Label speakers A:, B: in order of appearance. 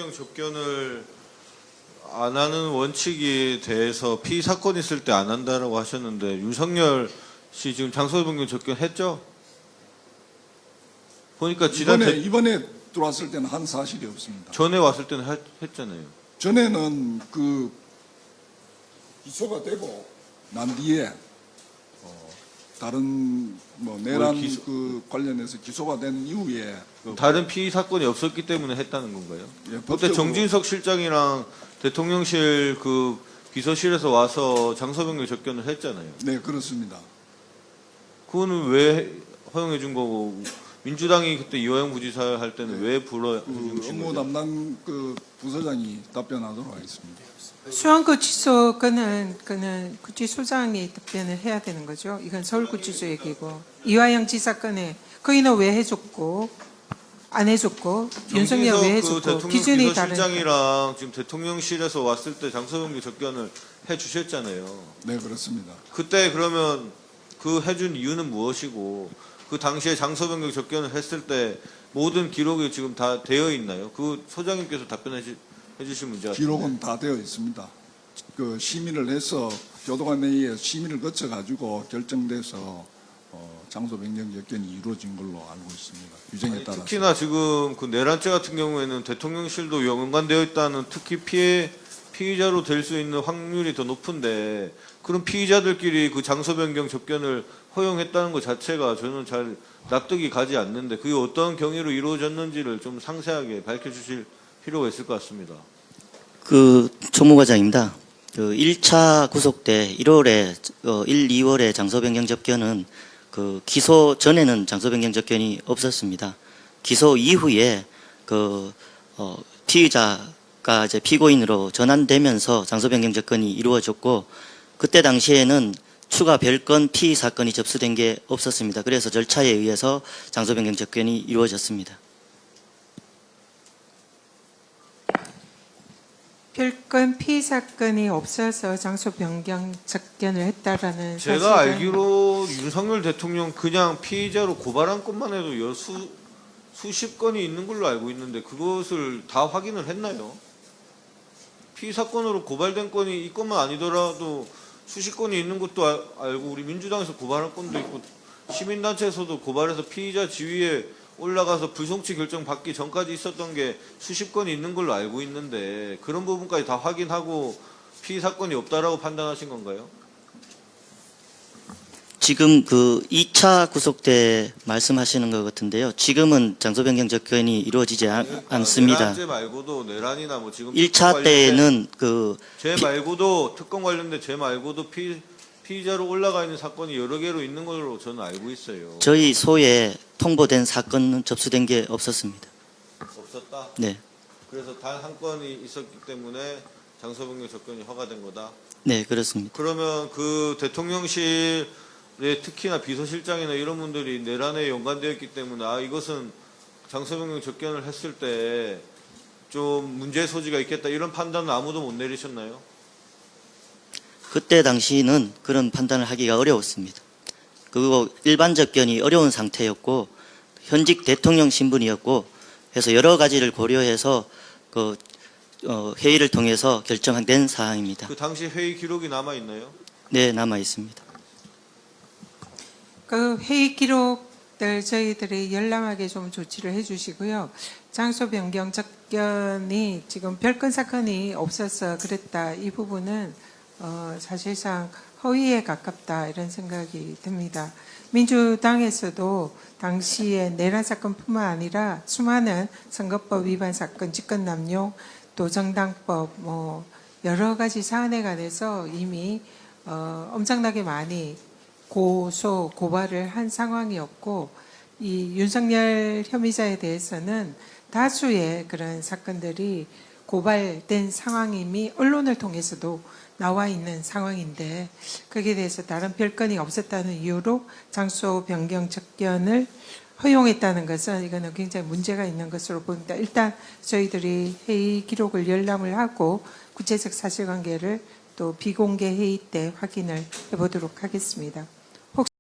A: 변경 접견을 안 하는 원칙에 대해서 피의 사건 있을 때 안 한다라고 하셨는데 윤석열 씨 지금 장소 변경 접견했죠? 보니까
B: 이번에 들어왔을 때는 한 사실이 없습니다.
A: 전에 왔을 때는 했잖아요.
B: 전에는 그 기소가 되고 난 뒤에 다른 내란 그 관련해서 기소가 된 이후에
A: 다른 피의 사건이 없었기 때문에 했다는 건가요?
B: 예,
A: 그때 정진석 실장이랑 대통령실 그 비서실에서 와서 장소 변경 접견을 했잖아요.
B: 네, 그렇습니다.
A: 그거는 왜 허용해 준 거고 민주당이 그때 이화영 부지사 할 때는 왜 불러
B: 그 업무 담당 그 부서장이 답변하도록 하겠습니다.
C: 수원구치소 건은 구치소장이 답변을 해야 되는 거죠. 이건 서울구치소 얘기고 이화영 지사 건에 거기는 왜 해줬고 안 해줬고 윤석열 왜 해줬고 기준이 다른.
A: 실장이랑 지금 대통령실에서 왔을 때 장소 변경 접견을 해 주셨잖아요.
B: 네, 그렇습니다.
A: 그때 그러면 그 해준 이유는 무엇이고 그 당시에 장소 변경 접견을 했을 때 모든 기록이 지금 다 되어 있나요? 그 소장님께서 답변해 주실 문제가
B: 기록은 다 되어 있습니다. 그 심의를 해서 교도관 회의에 심의를 거쳐 가지고 결정돼서 장소 변경 접견이 이루어진 걸로 알고 있습니다. 규정에 따라서.
A: 특히나 지금 그 내란죄 같은 경우에는 대통령실도 연관되어 있다는 특히 피의자로 될 수 있는 확률이 더 높은데 그런 피의자들끼리 그 장소 변경 접견을 허용했다는 것 자체가 저는 잘 납득이 가지 않는데 그게 어떤 경위로 이루어졌는지를 좀 상세하게 밝혀주실 필요가 있을 것 같습니다.
D: 총무과장입니다. 1차 구속 때 1월에 2월에 장소 변경 접견은 기소 전에는 장소 변경 접견이 없었습니다. 기소 이후에 피의자가 이제 피고인으로 전환되면서 장소 변경 접견이 이루어졌고 그때 당시에는 추가 별건 피의 사건이 접수된 게 없었습니다. 그래서 절차에 의해서 장소 변경 접견이 이루어졌습니다.
C: 별건 피의 사건이 없어서 장소 변경 접견을 했다라는
A: 제가 알기로 윤석열 대통령 그냥 피의자로 고발한 것만 해도 수십 건이 있는 걸로 알고 있는데 그것을 다 확인을 했나요? 피의 사건으로 고발된 건이 이 건만 아니더라도 수십 건이 있는 것도 알고 우리 민주당에서 고발한 건도 있고 시민단체에서도 고발해서 피의자 지위에 올라가서 불송치 결정 받기 전까지 있었던 게 수십 건이 있는 걸로 알고 있는데 그런 부분까지 다 확인하고 피의 사건이 없다라고 판단하신 건가요?
D: 지금 2차 구속 때 말씀하시는 것 같은데요. 지금은 장소 변경 접견이 이루어지지 않습니다.
A: 내란죄 말고도 내란이나 뭐 지금
D: 1차 때는
A: 죄 말고도 특검 관련된 죄 말고도 피의자로 올라가 있는 사건이 여러 개로 있는 걸로 저는 알고 있어요.
D: 저희 소에 통보된 사건은 접수된 게 없었습니다.
A: 없었다?
D: 네.
A: 그래서 단 한 건이 있었기 때문에 장소 변경 접견이 허가된 거다?
D: 네, 그렇습니다.
A: 그러면 그 대통령실에 특히나 비서실장이나 이런 분들이 내란에 연관되어 있기 때문에 이것은 장소 변경 접견을 했을 때 좀 문제 소지가 있겠다 이런 판단은 아무도 못 내리셨나요?
D: 그때 당시는 그런 판단을 하기가 어려웠습니다. 그리고 일반 접견이 어려운 상태였고 현직 대통령 신분이었고 해서 여러 가지를 고려해서 회의를 통해서 결정된 사항입니다.
A: 그 당시 회의 기록이 남아 있나요?
D: 네, 남아 있습니다.
C: 그 회의 기록들 저희들이 열람하게 좀 조치를 해주시고요. 장소 변경 접견이 지금 별건 사건이 없어서 그랬다. 이 부분은 사실상 허위에 가깝다 이런 생각이 듭니다. 민주당에서도 당시에 내란 사건뿐만 아니라 수많은 선거법 위반 사건, 직권남용, 또 정당법 여러 가지 사안에 관해서 이미 엄청나게 많이 고발을 한 상황이었고 이 윤석열 혐의자에 대해서는 다수의 그런 사건들이 고발된 상황임이 언론을 통해서도 나와 있는 상황인데 거기에 대해서 다른 별건이 없었다는 이유로 장소 변경 접견을 허용했다는 것은 이거는 굉장히 문제가 있는 것으로 보입니다. 일단 저희들이 회의 기록을 열람을 하고 구체적 사실관계를 또 비공개 회의 때 확인을 해보도록 하겠습니다.